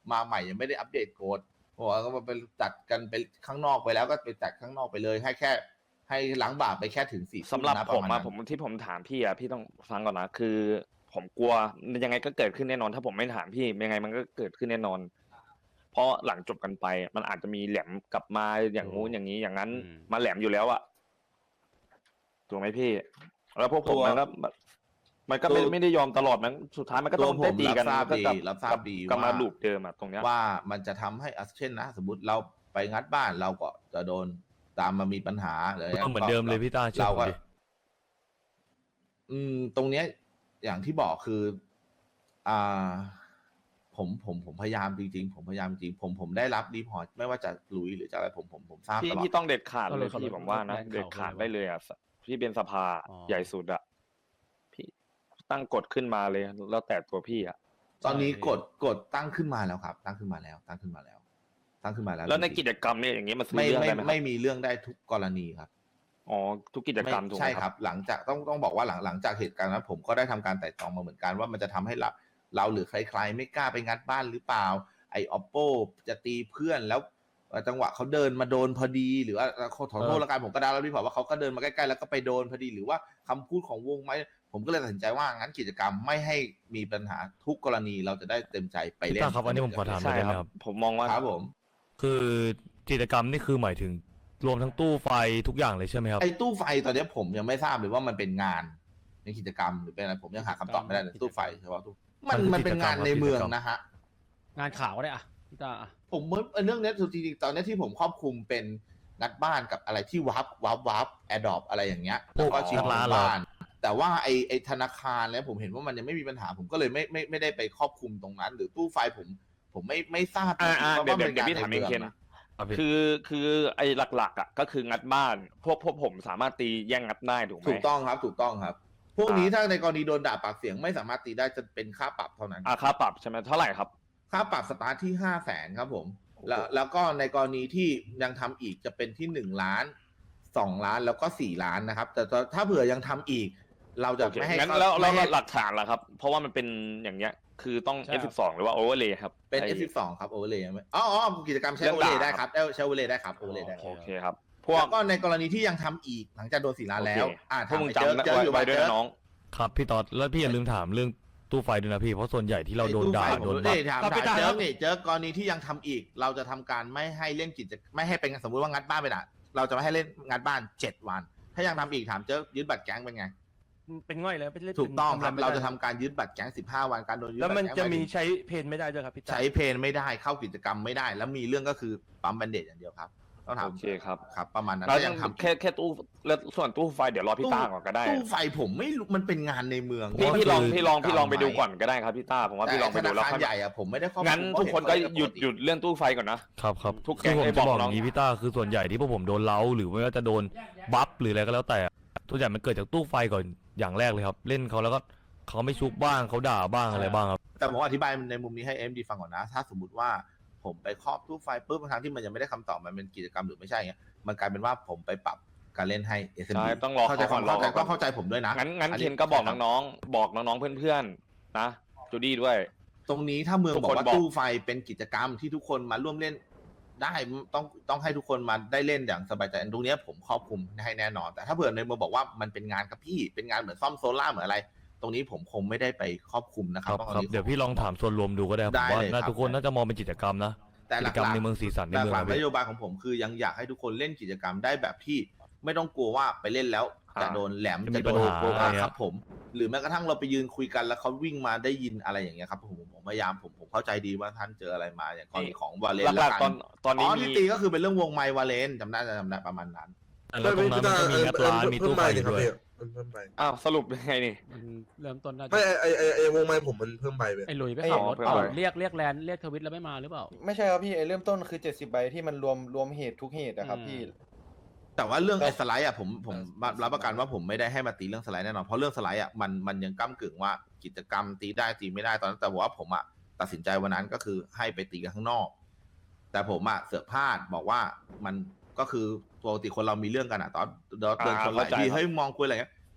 Speaker 2: มาใหม่ยังไม่ได้อัปเดตโค้ดบอกว่าก็ไปจัดกันไปข้างนอกไปแล้วก็ไปจัดข้างนอกไปเลยให้แค่ให้ล้างบาปไปแค่ถึงสี่
Speaker 6: สำหรับ
Speaker 2: นะ
Speaker 6: ผม
Speaker 2: ป
Speaker 6: อะ
Speaker 2: ระาณนั้น
Speaker 6: ผมที่ผมถามพี่อะพี่ต้องฟังก่อนนะคือ ผมกลัวยังไงก็เกิดขึ้นแน่นอน ถ้าผมไม่ถามพี่ยังไงมันก็เกิดขึ้นแน่นอน เพราะหลังจบกันไป มันอาจจะมีแหลมกลับมาอย่างงู้นอย่างนี้อย่างนั้น
Speaker 1: อืม
Speaker 6: มาแหลมอยู่แล้วอะถูกไหมพี่ แล้วพวกผม
Speaker 2: ตัว
Speaker 6: มันก็มันก็ไม่
Speaker 2: ตัว
Speaker 6: ไม่ได้ยอมตลอดมันสุดท้ายมันก็ต้อง
Speaker 2: ตัวผม
Speaker 6: ได้ตีกัน
Speaker 2: รับทราบ
Speaker 6: ก็กลั
Speaker 2: ดีรับทราบดี
Speaker 6: กลับมา
Speaker 2: ว่า
Speaker 6: ลูปเดิมอะตรงเนี้ย
Speaker 2: ว่ามันจะทำให้อ่ะเช่นนะ สมมติเราไปงัดบ้านเราก็จะโดนตามมามีปัญหาอะไรย่างงี้ย
Speaker 12: เหมือนเดิมเลยพี่ต้าเชื่อ
Speaker 2: เรา
Speaker 12: ผม
Speaker 2: ก็
Speaker 12: ดิ
Speaker 2: อืม ตรงเนี้ยอย่างที่บอกคือ อ่า ผมผมผมพยายามจริงๆผมพยายามจริงผมผมได้รับรีพอร์ตไม่ว่าจะหลุยหรือจะอะไรผมผมผมทราบ
Speaker 6: พี่
Speaker 2: ตลอด
Speaker 6: พี่ต้องเด็ดขาด
Speaker 1: เอา
Speaker 6: เล
Speaker 1: เลย
Speaker 6: ย
Speaker 1: เอาเลย
Speaker 6: พี่ผมว่านะ
Speaker 1: แรงข่าว
Speaker 6: เด็ดขาด
Speaker 1: เลย
Speaker 6: ได้เลยอ่ะพี่เป็นสภา
Speaker 1: อ๋อ
Speaker 6: ใหญ่สุดอ่ะพี่ตั้งกฎขึ้นมาเลย แล้วแต่ตัวพี่อ่ะ
Speaker 2: ตอนนี้กดกดตั้งขึ้นมาแล้วครับ ตั้งขึ้นมาแล้ว ตั้งขึ้นมาแล้ว ตั้งขึ้นมาแล้ว
Speaker 6: แล้วใน
Speaker 2: จริงๆ
Speaker 6: กิจกรรมเนี่ยอย่างเงี้ยมันซื้อ
Speaker 2: ไม่
Speaker 6: เรื่อง
Speaker 2: ไม่
Speaker 6: ได้ไหมค
Speaker 2: ไม่
Speaker 6: รับ
Speaker 2: มีเรื่องได้ทุกกรณีครับ
Speaker 6: อ๋อทุกกิจกรรม
Speaker 2: ไม่
Speaker 6: ถูกไห
Speaker 2: ใช่
Speaker 6: ม
Speaker 2: ค
Speaker 6: ค
Speaker 2: รั
Speaker 6: รับ
Speaker 2: บ หลังจากต้องต้องบอกว่าหลังหลังจากเหตุการณ์นั้นผมก็ได้ทำการไต่ตรองมาเหมือนกันว่ามันจะทำให้เราเราหรือใครๆไม่กล้าไปงัดบ้านหรือเปล่า ไอ้ oppo จะตีเพื่อนแล้วจังหวะเขาเดินมาโดนพอดี หรือว่าขอขอโทษละกันผมก็ได้แล้วพี่บอกว่าเขาก็เดินมาใกล้ๆแล้วก็ไปโดนพอดีหรือว่าคำพูดของวงไหมผมก็เลยตัดสินใจว่างั้นกิจกรรมไม่ให้มีปัญหาทุกกรณีเราจะได้เต็มใจไปเล่น
Speaker 12: พี่ต้าครับอันนี้ผมขอถาม
Speaker 6: ใช่
Speaker 12: ได้ไห
Speaker 6: ค
Speaker 12: ม
Speaker 6: รับ
Speaker 12: ครับ
Speaker 6: ผมมองว่า
Speaker 2: ครับผม
Speaker 12: คือกิจกรรมนี่คือหมายถึงรวมทั้งตู้ไฟทุกอย่างเลยใช่ไหมครับ
Speaker 2: ไอ้ตู้ไฟตอนนี้ผมยังไม่ทราบเลยว่ามันเป็นงานในกิจกรรมหรือเป็นอะไรผมยังหาคำตอบไม่ได้เลยตู้ไฟเฉพาะตู้มัน
Speaker 12: มันคือ
Speaker 2: มันเป็นงานในเมือง
Speaker 12: กิจกรรม
Speaker 2: นะฮะ
Speaker 1: งานข่าวก็ได้อะพี่ตาอะ
Speaker 2: ผมว่าเรื่องเนี้ยจริงๆตอนเนี้ยที่ผมครอบคลุมเป็นงัดบ้านกับอะไรที่วับวับวับแอดดอปอะไรอย่างเงี้ยแล้วก็ชิง
Speaker 12: งัดร้านเหรอ
Speaker 2: บ้าน แต่ว่าไอไอธนาคารแล้วผมเห็นว่ามันยังไม่มีปัญหา ผมก็เลยไม่ไม่ไม่ได้ไปครอบคลุมตรงนั้น หรือตู้ไฟผม ผมไม่ไม่ทราบ
Speaker 6: อ่าอ่า
Speaker 2: ว่า
Speaker 6: เดี๋ยว
Speaker 2: ว่า
Speaker 6: เดี๋ยว
Speaker 2: ป็น
Speaker 6: เดี๋ยวพี่ถามเองเคน
Speaker 2: นะ
Speaker 12: ครับพี่
Speaker 6: คือคือไอ้หลักๆอ่ะก็คืองัดบ้าน พวกพวกผมสามารถตีแย่งงัดได้ถูกไหม
Speaker 2: ถูกต้องครับถูกต้องครับ พวกนี้
Speaker 6: อ่า
Speaker 2: ถ้าในกรณีโดนด่าปากเสียงไม่สามารถตีได้จะเป็นค่าปรับเท่านั้น
Speaker 6: อ่าค่าปรับใช่ไหมเท่าไหร่ครับ
Speaker 2: ค่าปรับสตาร์ทที่ห้าแสนครับผม แล้วแล้วก็ในกรณีที่ยังทำอีกจะเป็นที่หนึ่งล้านสองล้านแล้วก็สี่ล้านนะครับ แต่ถ้าเผื่อยังทำอีก เราจะ
Speaker 6: โอเค
Speaker 2: ไม่ให้
Speaker 6: งั้น
Speaker 2: เข้า
Speaker 6: แล้วแล้ว
Speaker 2: ไม่ให้
Speaker 6: หลักฐานล่ะครับ เพราะว่ามันเป็นอย่างเงี้ย คือต้อง เอฟ สิบสอง หรือว่า Overlay ครับ
Speaker 2: เป็น
Speaker 6: ไ
Speaker 2: เอฟ สิบสอง ครับโอเวอร์เลยอ๋ออ๋อกิจกรรมใช้
Speaker 6: เรื่
Speaker 2: โอ
Speaker 6: อง
Speaker 2: เวอร์เลย
Speaker 6: ด่า
Speaker 2: ได้ครับได้ใช้โอเวอร์เลยได้ครับโอเวอร์เลยได้
Speaker 6: โอเคครับ พวก
Speaker 2: แล้วก็ในกรณีที่ยังทำอีกหลังจากโดนสี่ล้านแล้ว
Speaker 6: โอเค
Speaker 2: อ่า
Speaker 6: พวกมึง
Speaker 2: ถาม
Speaker 6: จำ
Speaker 2: เจอเจออยู่
Speaker 6: ไว้
Speaker 2: บ้าน
Speaker 6: ด้วย
Speaker 2: เจอ
Speaker 6: นะน้อง
Speaker 12: ครับพี่ตอดแล้วพี่อย่าลืมถามเรื่องตู้ไฟด้วยนะพี่เพราะส่วนใหญ่ที่เราโดนด่า
Speaker 2: ไอ้
Speaker 12: โด
Speaker 2: ตู้
Speaker 12: น
Speaker 2: ไฟผม
Speaker 12: บัฟ
Speaker 2: นี่ถาม
Speaker 11: ครับพี่
Speaker 2: ถาม
Speaker 11: ตา
Speaker 2: เจ
Speaker 11: ครั
Speaker 2: อบ นี่เจอกรณีที่ยังทำอีก เราจะทำการไม่ให้เล่นกิจไม่ให้เป็นสมมติว่างัดบ้านไปด่ะเราจะไม่ให้เล่นงัดบ้านเจ็ดวัน ถ้ายังทำอีกถามเจอยึดบัตรแก๊งเป็นไง
Speaker 11: เป็นง่อยแล้วเป็นเล่น
Speaker 2: ถูกต้องครับ
Speaker 11: ทำะไไม่
Speaker 2: เรา
Speaker 11: ได้
Speaker 2: จะทำการยึดบัตรแก๊งสิบห้าวันการโดนยึด
Speaker 11: แล้ว
Speaker 2: บัตร
Speaker 11: มัน
Speaker 2: แก๊ง
Speaker 11: จะ
Speaker 2: หาย
Speaker 11: มี
Speaker 2: ถึง
Speaker 11: ใช้เพนไม่ได้ด้วยครับพี่ตา
Speaker 2: ใช้เพนไม่ได้เข้ากิจกรรมไม่ได้ แล้วมีเรื่องก็คือปั๊มแบนเดจอย่างเดียวครับต้องถาม
Speaker 6: โอเคครับ
Speaker 2: ครับ ประมาณนั้น
Speaker 6: แล้ว
Speaker 2: ถ้า
Speaker 6: ยั
Speaker 2: ยัง งทำ
Speaker 6: แค่แค่ตู้แล้วส่วนตู้ไฟเดี๋ยวรอพี่ต้าก่อนก็ได้
Speaker 2: ตู้ไฟผมไม่รู้มันเป็นงานในเมือง
Speaker 6: พี่พี่ลอง
Speaker 2: ว่า
Speaker 6: พี่ลองพี่ลองไปดู
Speaker 2: ไหม
Speaker 6: ก่อนก็ได้ครับพี่ต้าผมว่าพี่ลองไปดูแล้ว
Speaker 2: ต่ธนาคาร
Speaker 6: ค่อย
Speaker 2: ใหญ่อะผมไม่ได้ข้อมูล
Speaker 6: งั้น
Speaker 2: ผม
Speaker 6: ทุกคนก็
Speaker 2: เห็
Speaker 6: หยุด
Speaker 2: ปติ
Speaker 6: หยุดเรื่องตู้ไฟก่อนนะ
Speaker 12: ครับครับ
Speaker 6: ทุก
Speaker 12: คือผม
Speaker 6: แก๊ง
Speaker 12: จะ
Speaker 6: ไอ้
Speaker 12: บบ อ
Speaker 6: อก ก
Speaker 12: อ
Speaker 6: น้อง
Speaker 12: ย่างนี้พี่ต้าคือส่วนใหญ่ที่พวกผมโดนเล้าหรือไม่ว่าจะโดนบัฟหรืออะไรก็แล้วแต่ส่วนใหญ่มันเกิดจากตู้ไฟก่อนอย่างแรกเลยครับ เล่นเขาแล้วก็เขาไม่ชุบบ้างเขาด่าบ้างอะไรบ้างครับ
Speaker 2: แต่ผมอธิบายในมุมนี้ให้เอ็มดีฟังก่อนนะ ถ้าสมมติว่าผมไปครอบตู้ไฟปุ๊บบางครั้งที่มันยังไม่ได้คำตอบมันเป็นกิจกรรมหรือไม่ใช่เงี้ยมันกลายเป็นว่าผมไปปรับการเล่นให้ เอส เอ็ม
Speaker 6: ใช่
Speaker 2: ดี
Speaker 6: ต้องรอ
Speaker 2: เข้าใจ
Speaker 6: เขาก่อน
Speaker 2: เข้าใจ
Speaker 6: รอก่อน
Speaker 2: ต้องเข้าใจผมด้วยนะ
Speaker 6: งั้นงั้น
Speaker 2: อั
Speaker 6: เคนก็บอกน้องๆบอกน้องๆเพื่อนๆนะจูดี้ด้วย
Speaker 2: ตรงนี้ถ้าเมือง
Speaker 6: ทุก
Speaker 2: บอ
Speaker 6: ค
Speaker 2: ก
Speaker 6: น
Speaker 2: ว่า
Speaker 6: บอก
Speaker 2: ตู้ไฟเป็นกิจกรรมที่ทุกคนมาร่วมเล่นได้ต้องต้องให้ทุกคนมาได้เล่นอย่างสบายใจตรงเนี้ยผมครอบคลุมให้แน่นอน แต่ถ้าเผื่อในเมืองบอกว่ามันเป็นงานครับพี่เป็นงานเหมือนซ่อมโซล่าร์เหมือนอะไร ตรงนี้ผมคงไม่ได้ไปครอบคลุมนะค
Speaker 12: ค
Speaker 2: รั
Speaker 12: รั
Speaker 2: บบ ต้อง
Speaker 12: ครับ
Speaker 2: อา
Speaker 12: เดี๋ยวพี่ลองถามส่วนรวมดูก็ได้ครับผ
Speaker 2: ได้
Speaker 12: มว่า
Speaker 2: เลย
Speaker 12: น่า
Speaker 2: ครับ
Speaker 12: ทุกคนน่าจะมองเป็นกิจกรรมนะ
Speaker 2: แต่ห
Speaker 12: กิ
Speaker 2: ลั
Speaker 12: จ
Speaker 2: ก
Speaker 12: กรรม
Speaker 2: ๆ
Speaker 12: ในเมืองสีสันใน
Speaker 2: แต่
Speaker 12: เมือง
Speaker 2: หลัก
Speaker 12: อะ
Speaker 2: ๆน
Speaker 12: พี่
Speaker 2: โยบายของผมคือยังอยากให้ทุกคนเล่นกิจกรรมได้แบบที่ไม่ต้องกลัวว่าไปเล่นแล้วจะ
Speaker 6: อ่า
Speaker 2: โดนแหลม
Speaker 12: จะมี
Speaker 2: จะโดน
Speaker 12: ปัญหา
Speaker 2: โกง
Speaker 12: อะไรเงี้ย
Speaker 2: ครับผม หรือแม้กระทั่งเราไปยืนคุยกันแล้วเขาวิ่งมาได้ยินอะไรอย่างเงี้ยครับผมผมพยายามผมผมเข้าใจดีว่าท่านเจออะไรมาอย่างกรณีของวาเลน
Speaker 6: หลักๆตอนตอน
Speaker 2: อ๋
Speaker 6: นี้
Speaker 2: อ
Speaker 6: มี
Speaker 2: ที่ตีก็คือเป็นเรื่องวงไมค์วาเลนจำได้จำได้ประมาณนั้น
Speaker 12: แล้วตรงนั้นมันก็มีงัดร้านมีตู้ไฟอยู่ด้วย
Speaker 8: เพิ่มไป
Speaker 6: อ้าวสรุปยังไงนี่
Speaker 1: มันเริ่มต้นน่าจะ
Speaker 8: ไม่ไอไอไอวงไม้ผมมันเพิ่มไปเว้ย
Speaker 1: ไอ้หลุยไป
Speaker 6: ไอ้
Speaker 1: ขับรถ
Speaker 6: เพื่อน
Speaker 1: เปล่า
Speaker 6: ไป
Speaker 1: เรียกเรียกแลนด์เรียกทวิตแล้วไม่มาหรือเปล่า
Speaker 7: ไม่ใช่ครับพี่ไอเริ่มต้นคือเจ็ดสิบใบที่มันรวมรวมเหตุทุกเหตุนะครับ
Speaker 1: อืม
Speaker 7: พี่
Speaker 2: แต่ว่าเรื่อง
Speaker 7: แต่
Speaker 2: ไอ้สไลด์อ่ะผมผมรับประกันว่าผมไม่ได้ให้มาตีเรื่องสไลด์แน่นอนเพราะเรื่องสไลด์อ่ะมันมันยังก้ากึ่งว่ากิจกรรมตีได้ตีไม่ได้ตอนนั้นแต่ว่าผมอ่ะตัดสินใจวันนั้นก็คือให้ไปตีกันข้างนอก แต่ผมอ่ะเสือกพลาดบอกว่ามันก็คือปกติคนเรามีเรื่องกันอ่ะตอนเดิน
Speaker 6: อ่า
Speaker 2: ชนหลาย
Speaker 6: เข้าใจ
Speaker 2: ที
Speaker 6: ครับ
Speaker 2: เฮ้ยมองคุยอะไรเงี้ยใจ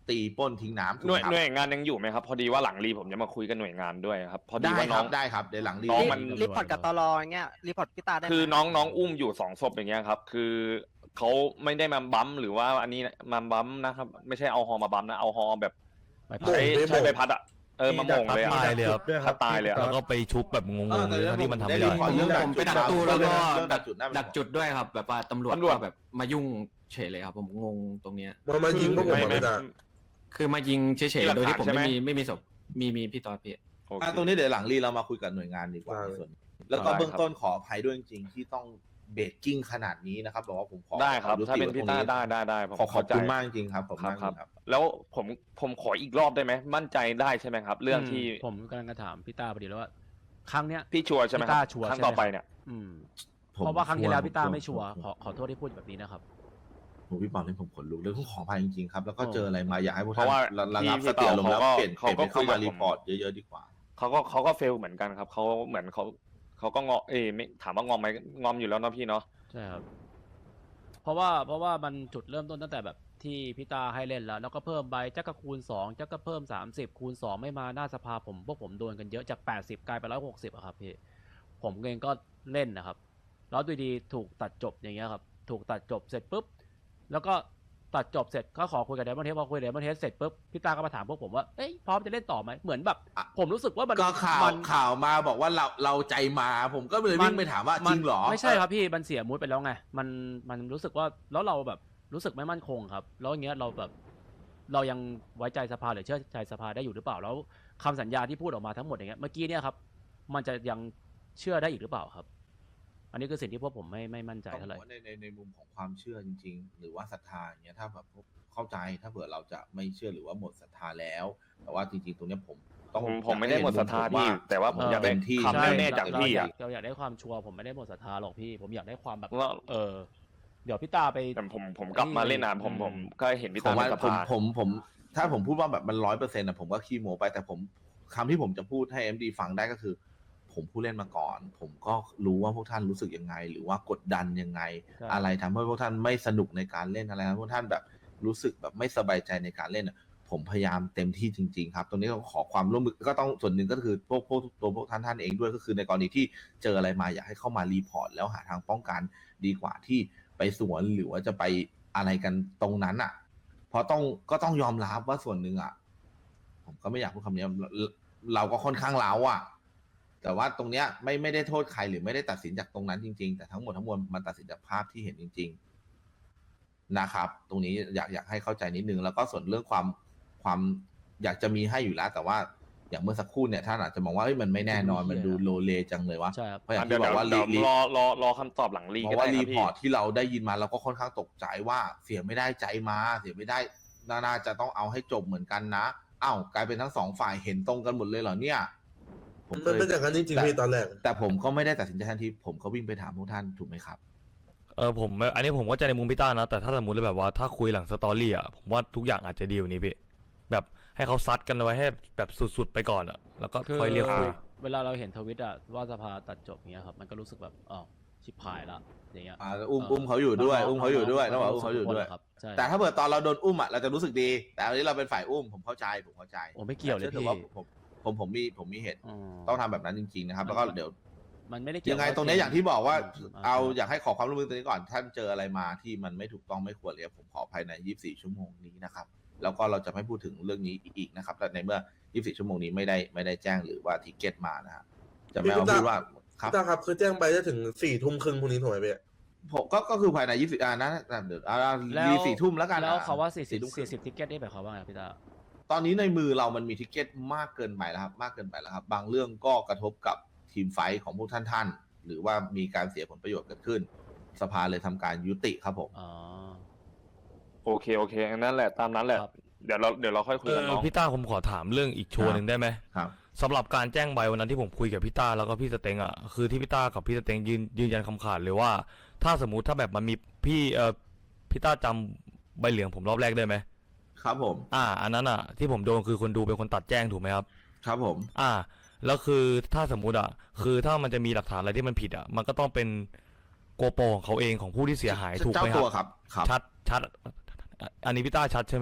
Speaker 2: ตีปล้นทิ้งน้ำถูก
Speaker 6: หน่วย
Speaker 2: ไหมครับ
Speaker 6: หน่วยงานยังอยู่ไหมครับ พอดีว่าหลังรีผมจะมาคุยกับหน่วยงานด้วยครับพอดี
Speaker 2: ได้
Speaker 6: ว่า
Speaker 2: ค
Speaker 6: น้
Speaker 2: รั
Speaker 6: อง
Speaker 2: บได้ครับเดี๋ยวหลังรี
Speaker 6: น้องมัน
Speaker 1: รีพอร์ตกับตล
Speaker 10: อย่างเงี้ยรีพอร์ตพี่ตาได้ไหม
Speaker 6: คือน้องน้องอุ้มอยู่สองศพอย่างเงี้ยครับ คือเขาไม่ได้มาบัมป์หรือว่าอันนี้มาบัมป์นะครับ ไม่ใช่เอาฮอมาบัมป์นะเอาฮอแบบ
Speaker 1: ไป
Speaker 6: ใช้
Speaker 8: ไม่
Speaker 6: ใช้
Speaker 8: โหม่ง
Speaker 6: ใบพัดอะเออมาโหมงเลยอะ
Speaker 12: ตายเลยครับ
Speaker 6: พัดตายเลยอะ
Speaker 12: แล้วก็ไปชุบแบบงงๆเลยทั้งที่มันทำไม่
Speaker 2: ได้
Speaker 12: ได้
Speaker 2: รีพอร์ตเรื่องดัก
Speaker 7: ผมไป
Speaker 2: จุด
Speaker 7: ดักตู้แล้วก็
Speaker 2: เรื่องดักจุดน่าเป็นห่วง
Speaker 7: ดักจุดด้วยครับ แบบว่าตำรวจ
Speaker 6: ตำรวจ
Speaker 7: ก็แบบมายุ่งเฉยเลยครับ ผมงงตรงเนี้ย
Speaker 8: มันมายิงพวกผม
Speaker 6: ไม่
Speaker 8: อะ
Speaker 6: ไม่
Speaker 8: ไม่ได้
Speaker 7: คือมายิงเฉย
Speaker 6: มีหลั
Speaker 7: ๆ
Speaker 6: ก
Speaker 7: โดยที่ผม
Speaker 6: ฐานใช่ไหม
Speaker 7: ไม่มีไม่มีศพมีมีพี่ตอนพี่
Speaker 6: โอเค
Speaker 2: อ่ะตรงนี้เดี๋ยวหลังรีเรามาคุยกับหน่วยงานดีกว่า
Speaker 8: ได้
Speaker 2: ในส่วนนี้แล้วก็
Speaker 6: ได้ครับ
Speaker 2: เบื้องต้นขออภัยด้วยจริงๆที่ต้องเบรกกิ้งขนาดนี้นะครับบอกว่าผมขอ
Speaker 6: ได้ครับ
Speaker 2: ขอ
Speaker 6: ถ้าเป็น
Speaker 2: ยุติ
Speaker 6: พี่
Speaker 2: ไว้
Speaker 6: ต้า
Speaker 2: ตรงนี้
Speaker 6: ได้ได้ได้ผม
Speaker 2: ขอขอบ
Speaker 6: เข้าใจ
Speaker 2: คุณมากจริงๆครับขอบ
Speaker 6: ค
Speaker 2: คุณ
Speaker 6: รับ
Speaker 2: มาก
Speaker 6: ค
Speaker 2: จ
Speaker 6: รับ
Speaker 2: ริงๆครับ
Speaker 6: แล้วผมผมขออีกรอบได้ไหมมั่นใจได้ใช่ไหมครับ เรื่องที่
Speaker 1: ผมกำลังจะถามพี่ต้าพอดีแล้วว่า ครั้งเนี้ย
Speaker 6: พี่ชัวร์ใช่ไหม
Speaker 1: พี่
Speaker 6: ค
Speaker 1: ต้า
Speaker 6: รับ
Speaker 1: ชัวร์
Speaker 6: ครั้ง
Speaker 1: ใช่ไหม
Speaker 6: ต่อไปเนี่ย
Speaker 1: อืม
Speaker 2: ผม
Speaker 1: เพราะว่าครั้งที่แล้วพี่ต้า
Speaker 2: ชัร์
Speaker 1: ไม่ชัวร์
Speaker 2: ผม
Speaker 1: ขอขอโทษที่พูดแบบนี้นะครับ
Speaker 2: ผมพี่ปอมนี่ผมขนลุกเลยต้องขออภัยจริงๆครับแล้วก็
Speaker 1: โอ้
Speaker 2: เจออะไรมาอยากให้พวก
Speaker 6: เพ
Speaker 2: ท่าน
Speaker 6: ราะว่า
Speaker 2: ระระงับ
Speaker 6: พี่
Speaker 2: สติอารมณ์แล้ว
Speaker 6: เขาก็
Speaker 2: เปลี่ยน
Speaker 6: เขา
Speaker 2: เปลี่ยน
Speaker 6: ก็
Speaker 2: เป็นเข้า
Speaker 6: คุยกั
Speaker 2: มา
Speaker 6: บผม
Speaker 2: รีพอร์ตเยอะๆดีกว่า
Speaker 6: เขาก็เขาก็เฟลเหมือนกันครับเขาเหมือนเขาเขาก็งอเอยไม่ถามว่างอมไหมงอมอยู่แล้วเนาะพี่เนาะ
Speaker 1: ใช่ครับ เพราะว่าเพราะว่ามันจุดเริ่มต้นตั้งแต่แบบที่พี่ตาให้เล่นแล้ว แล้วก็เพิ่มใบจักก็คูณสองจักก็เพิ่มสามสิบคูณสองไม่มาหน้าสภาผมพวกผมโดนกันเยอะจากแปดสิบกลายเป็นร้อยหกสิบอะครับพี่ผมเองก็เล่นนะครับ แล้วดูดีถูกตัดจบอย่างเงี้ยครับ ถูกตัดจบเสร็จปุ๊บแล้วก็ตัดจบเสร็จก็ขอคุยกับเดมอนเทสพอคุยกับเดมอนเทสเสร็จปุ๊บพี่ตาก็มาถามพวกผมว่าเอ้ยพร้อมจะเล่นต่อไหมเหมือนแบบ
Speaker 2: อ่ะ
Speaker 1: ผมรู้สึกว่ามัน
Speaker 2: ก็ข่าว
Speaker 1: มัน
Speaker 2: ข่าวมาบอกว่าเราเราใจมา ผมก็เลยวิ่งไปถามว่าจริงเหรอ
Speaker 1: ไม่ใช่ครับพี่มันเสียมูดไปแล้วไงมันมันรู้สึกว่าแล้วเราแบบรู้สึกไม่มั่นคงครับ แล้วอย่างเงี้ยเราแบบเรายังไว้ใจสภาหรือเชื่อใจสภาได้อยู่หรือเปล่าแล้วคำสัญญาที่พูดออกมาทั้งหมดอย่างเงี้ยเมื่อกี้เนี่ยครับมันจะยังเชื่อได้อีกหรือเปล่าครับ อันนี้คือสิ่งที่พวกผมไม่ไม่มั่นใจ
Speaker 2: ต้อง
Speaker 1: เท่าไห
Speaker 2: บ
Speaker 1: ร่
Speaker 2: อกว่าในในในมุมของความเชื่อจริง ๆ หรือว่าศรัทธาอย่างเงี้ยถ้าแบบเข้าใจถ้าเผื่อเราจะไม่เชื่อหรือว่าหมดศรัทธาแล้ว แต่ว่าจริงๆตรงเนี้ยผมต้อง
Speaker 6: ผมผมไม่ได้หมดศรัทธา
Speaker 2: ผม
Speaker 6: พี่
Speaker 2: ว่า
Speaker 6: แต่ว่าผมอยากได้
Speaker 2: เต็มที่
Speaker 6: คำแน่ๆจากพี่อะ
Speaker 1: เราอยากได้ความชัวร์ผมไม่ได้หมดศรัทธาหรอกพี่ ผมอยากได้ความแบบ
Speaker 6: ว่า
Speaker 1: เออ เดี๋ยวพี่ตาไป
Speaker 6: แต่ผมผมกลับมาเล่นนานผมผมก็เห็นพี่
Speaker 2: ผ
Speaker 6: ตาม
Speaker 2: ว่า
Speaker 6: ในส
Speaker 2: ผม
Speaker 6: ภา
Speaker 2: ผมผมถ้าผมพูดว่าแบบมันร้อยเปอร์เซ็นต์นะผมก็ขี้โม้ไปแต่ผมคำที่ผมจะพูดให้เอ็มดีฟังได้ก็คือ ผมผู้เล่นมาก่อน ผมก็รู้ว่าพวกท่านรู้สึกยังไง หรือว่ากดดันยังไง
Speaker 1: ใช่
Speaker 2: อะไรทำให้พวกท่านไม่สนุกในการเล่นอะไรทำให้พวกท่านแบบรู้สึกแบบไม่สบายใจในการเล่นอะผมพยายามเต็มที่จริง ๆ ครับ ตรงนี้ต้องขอความร่วมมือก็ต้องส่วนหนึ่งก็คือพวกพวกตัวพวกท่านท่านเองด้วยก็คือในกรณีที่เจออะไรมาอยากให้เข้ามารีพอร์ตแล้วหาทางป้องกันดีกว่าที่ไปสวนหรือว่าจะไปอะไรกันตรงนั้นอ่ะ เพราะต้องก็ต้องยอมรับว่าส่วนหนึ่งอ่ะ ผมก็ไม่อยากพูดคำนี้เราเราก็ค่อนข้างเล้าอ่ะ แต่ว่าตรงเนี้ยไม่ไม่ได้โทษใครหรือไม่ได้ตัดสินจากตรงนั้นจริง ๆ แต่ทั้งหมดทั้งมวลมันตัดสินจากภาพที่เห็นจริง ๆนะครับ ตรงนี้อยากอยากให้เข้าใจนิดนึงแล้วก็ส่วนเรื่องความความอยากจะมีให้อยู่แล้ว แต่ว่าอย่างเมื่อสักครู่เนี่ยท่านอาจจะมองว่าเอ้ยมันไม่แน่นอนมันดูโลเลจังเลยวะ
Speaker 1: ใช่ครับ
Speaker 2: เพราะอย่าง
Speaker 6: เดี๋ย
Speaker 2: ที่
Speaker 6: ว
Speaker 2: บอก
Speaker 6: เดี๋ยว
Speaker 2: ว่า
Speaker 6: เดี๋ยว
Speaker 2: รี
Speaker 6: รอรอรอคำตอบหลังรี
Speaker 2: เพ
Speaker 6: ก็
Speaker 2: ราะว่า
Speaker 6: ได้ค
Speaker 2: รี
Speaker 6: รับ
Speaker 2: พ
Speaker 6: พี่
Speaker 2: อร์ตที่เราได้ยินมาเราก็ค่อนข้างตกใจว่าเสียไม่ได้ใจมาเสียไม่ได้น่าจะต้องเอาให้จบเหมือนกันนะอ้าวกลายเป็นทั้งสองฝ่ายเห็นตรงกันหมดเลยเหรอเนี่ย ผม
Speaker 8: มันเป็นอย่างนั้นจริงๆพี่ตอนแรก
Speaker 2: แต่ผมก็ไม่ได้ตัดสินใจทันทีผมก็วิ่งไปถามพวกท่านถูกไหมครับ
Speaker 12: เออผมอันนี้ผมก็จะในมุมพี่ต้านะแต่ถ้าสมมติแบบว่าถ้าคุยหลังสตอรี่อ่ะผมว่าทุกอย่างอาจจะดีกว่านี้พี่แบบให้เขาซัดกันไว้ให้แบบสุดๆไปก่อนอ่ะแล้วก็ค่อยเรียกคุย
Speaker 1: เวลาเราเห็นทวิตอะว่าสภาตัดจบอย่างเงี้ยครับมันก็รู้สึกแบบอ๋อชิบหายละอย่างเงี้ย
Speaker 2: อ่าอุ้มอุ้มเขาอยู่ด้วย อุ้มเขาอยู่ด้วยต้องบอกอุ้มเขาอยู่ด้วย
Speaker 1: ครับใช่
Speaker 2: แต่ถ้าเกิดตอนเราโดนอุ้มอ่ะเราจะรู้สึกดี แต่อันนี้เราเป็นฝ่ายอุ้มผมเข้าใจผมเข้าใจ
Speaker 1: โอ้ไม่เกี่ยวเลย
Speaker 2: แต่
Speaker 1: พี่
Speaker 2: ว่าผมผมผมมีผมมีเหตุ
Speaker 1: อืม
Speaker 2: ต้องทำแบบนั้นจริงๆนะครับ แล้วก็เดี๋ยว
Speaker 1: มันไม่ได้เกี่ยว
Speaker 2: ยังไง
Speaker 1: กับ
Speaker 2: ตรงนี้อย่างที่บอกว่า
Speaker 1: ม
Speaker 2: เอาอยากให้ขอความร่วมมือตรงนี้ก่อนท่านเจออะไรมาที่มันไม่ถูกต้องไม่ควรเลยผมขอภายในยี่สิบสี่ชั่วโมงนี้นะครับแล้วก็เราจะไม่พูดถึงเรื่องนี้อีกนะครับแต่ในเมื่อยี่สิบสี่ชั่วโมงนี้ไม่ได้ไม่ได้แจ้งหรือว่าทิเก็ตมานะครับจะไม่เอาพูดว่าครับ
Speaker 8: พี่ตาครับคือแจ้งไปจะถึงสี่ทุ่มครึ่งพรุ่งนี้ถูกไหมพี่
Speaker 2: ผมก็ก็คือภายในยี่สิบอ่านะเดี๋ยวอ่า
Speaker 1: แล้ว
Speaker 2: ดีสี่ทุ่มแล้วกัน
Speaker 1: แล้ว
Speaker 2: อ่ะ
Speaker 1: เขาว่าสี่สิบ
Speaker 2: ทุ่มครึ่
Speaker 1: สี่
Speaker 2: ง
Speaker 1: สิบทิกเก็ตได้แบบเขาว่าไงพี่ตา
Speaker 2: ตอนนี้ในมือเรามันมีทิเก็ตมากเกินไปแล้วครับมากเกินไปแล้วครับ บางเรื่องก็กระทบกับทีมไฟท์ของพวกท่านท่านๆหรือว่ามีการเสียผลประโยชน์เกิดขึ้น สภาเลยทำการยุติครับผม
Speaker 1: อ๋อ
Speaker 6: โอเคโอเคนั่นแหละตามนั้นแหละ
Speaker 1: ครับ
Speaker 6: เดี๋ยวเราเดี๋ยวเราค่อยคุย
Speaker 12: เอ
Speaker 6: กัน
Speaker 12: อ
Speaker 6: น้อง
Speaker 12: พี่ต้าผมขอถามเรื่องอีกชัวร์หนึ่งได้ไหม
Speaker 2: ครับ
Speaker 12: สำหรับการแจ้งใบวันนั้นที่ผมคุยกับพี่ต้าแล้วก็พี่สเต็งอ่ะคือที่พี่ต้ากับพี่สเต็งยืนยืนยันคำขาดเลยว่า ถ้าสมมุติถ้าแบบมันมีพี่เออพี่ต้าจำใบเหลืองผมรอบแรกได้ไหม
Speaker 2: ครับผม
Speaker 12: อ่า อันนั้นอ่ะที่ผมโดนคือคนดูเป็นคนตัดแจ้งถูกไหมครับ
Speaker 2: ครับผม
Speaker 12: อ่า แล้วคือถ้าสมมุติอ่ะคือถ้ามันจะมีหลักฐานอะไรที่มันผิดอ่ะมันก็ต้องเป็นโกโปรของเขาเองของผู้ที่เสียหายถูกไหมค
Speaker 2: เจ้าตัว
Speaker 12: รับ
Speaker 2: ครับครับ
Speaker 12: ชัดชัดอันนี้พี่ต้าชัดใช่ไหมครับ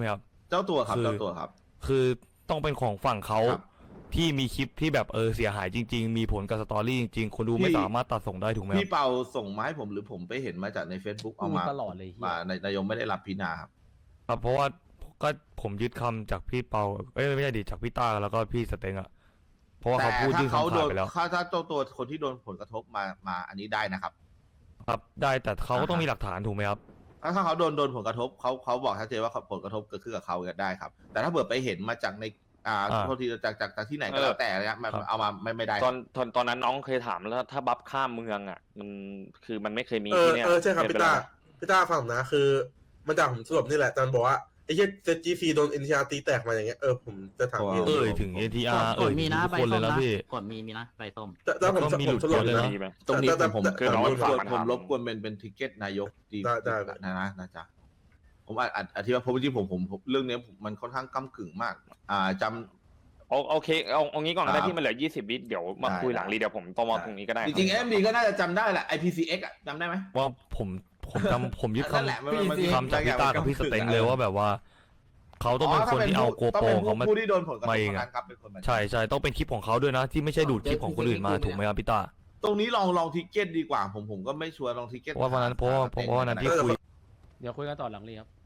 Speaker 2: เจ้าตัวครับ
Speaker 12: คือ
Speaker 2: เจ้าตัวครับ
Speaker 12: คือต้องเป็นของฝั่งเขา
Speaker 2: ครับ
Speaker 12: ที่มีคลิปที่แบบเออเสียหายจริง ๆ มีผลกับสตอรี่จริงๆคนดูไม่
Speaker 2: พี่
Speaker 12: สามารถตัดส่งได้ถูกไหมค
Speaker 2: พี่
Speaker 12: รับ
Speaker 2: เปาส่งมาให้ผมหรือผมไปเห็นมาจากใน Facebook เอามา
Speaker 1: พูดตลอดเลยเหี้ย
Speaker 2: มาในนายกไม่ได้รับพินาครับ
Speaker 12: ครับเพราะว่าก็ผมยึดคำจากพี่เปาเอ้ยไม่ใช่ดิจากพี่ต้าแล้วก็พี่สเต็งอะเพราะว่า
Speaker 2: แต่
Speaker 12: เขาพูด
Speaker 2: ถ้า
Speaker 12: ยื่น
Speaker 2: เขา
Speaker 12: คำ
Speaker 2: โด
Speaker 12: ขาด
Speaker 2: น
Speaker 12: ไปแล้ว
Speaker 2: ถ้าถ้าเจ้าตัวคนที่โดนผลกระทบมามาอันนี้ได้นะครับ
Speaker 12: ครับได้แต่เขาก็ต้อง
Speaker 2: อ่าฮะ
Speaker 12: มีหลักฐานถูกไหมครับ
Speaker 2: ถ้าถ้าเขาโดนโดนผลกระทบเขาเขาบอกชัดเจนว่าผลกระทบเกิดขึ้นกับเขาก็ได้ครับ แต่ถ้าเผื่อไปเห็นมาจากในอ่า
Speaker 12: อ่า
Speaker 2: โทษทีจากจากจากที่ไหนก็แล้วแต่เนี่ยมัน
Speaker 12: ครับ
Speaker 2: เอามาไม่ไม่ได้
Speaker 6: ตอนตอนตอนนั้นน้องเคยถามแล้วถ้าบัฟข้ามเมืองอ่ะ มันคือมันไม่เคยมี
Speaker 8: เออ
Speaker 6: ที่เนี่ย
Speaker 8: เออใช่ครับ
Speaker 6: เป็น
Speaker 8: พี่
Speaker 6: ไป
Speaker 8: ตา
Speaker 6: แล้ว
Speaker 8: พี่ตาฟังนะคือมันจากผมสรุปนี่แหละแต่มันบอกว่าไอ้เหี้ยเซจีซีโดนเอ็นทีอาร์ตีแตกมาอย่างเงี้ยเออผมจะถามพี่
Speaker 12: เอ่ยถึง เอ ที อาร์ เอ่ยถึงทุกคนเลยนะพี่
Speaker 13: กดมีมีนะใบส้ม
Speaker 8: แต่แต่ผม
Speaker 12: ก็มี
Speaker 8: ผมสรุป
Speaker 12: หลุดเยอะเลยนะ
Speaker 6: มีไหม
Speaker 2: ตรงนี้
Speaker 8: แต่
Speaker 2: ผม
Speaker 8: แต่
Speaker 2: ผม
Speaker 6: คือ
Speaker 2: ผม
Speaker 6: น้อง
Speaker 2: รบกวน
Speaker 6: ฝากมา
Speaker 2: ผม
Speaker 6: ถาม
Speaker 2: รบกวนเป็นเป็นทิเก็ตนายกดี
Speaker 8: ได้ได้
Speaker 2: นะนะนะจ๊ะผมอาจอาจอธิบายเพราะจริงๆผมผมผมเรื่องเนี้ยผมมันค่อนข้างก้ำกึ่งมาก อ่าจำ
Speaker 6: โอโอเคเอาเอางี้ก่อนก็
Speaker 2: ครั
Speaker 6: ได้
Speaker 2: บ
Speaker 6: ที่มันเหลือยี่สิบวิเดี๋ยวมา
Speaker 2: ได้
Speaker 6: คุยหลัง
Speaker 2: ได้
Speaker 6: รีเดี๋ยวผมตอมอตรงนี้ก็ได้
Speaker 2: จริงๆ
Speaker 6: ค
Speaker 2: เอ็
Speaker 6: บ
Speaker 2: มดีก็น่าจะจำได้แหละ ไอ พี ซี เอ็กซ์ อะจำได้ไหม
Speaker 12: ว่าผมผมจำผมยึด
Speaker 2: นั่นแหละ
Speaker 12: คำ
Speaker 2: มันมัน
Speaker 12: คำจากพี่ต้ากับพี่สเต็งเลยว่าแบบว่า เขาต้องเป็นคนที่เอาโก
Speaker 2: ต้อง
Speaker 12: โปร
Speaker 2: เป็น
Speaker 12: เขามา
Speaker 2: ผู้ที่โดนผลกระทบ
Speaker 12: มาเอง
Speaker 2: เท่า
Speaker 12: อะ
Speaker 2: นั้นครับเป็นคนมา
Speaker 12: ใช่ใช่ต้องเป็นคลิปของเขาด้วยนะ ที่ไม่ใช่ดูดคลิปของคนอื่นมาถูกไหมครับพี่ต้า
Speaker 2: ตรงนี้ลองลองทิเก็ตดีกว่าผมผมก็ไม่ชัวร์ลองทิเก็ต
Speaker 12: เพราะว่าวันนั้นเพราะว่าเพราะว่าวันนั้นที่คุย
Speaker 1: เดี๋ยวคุยกันต่อหลังรีครับ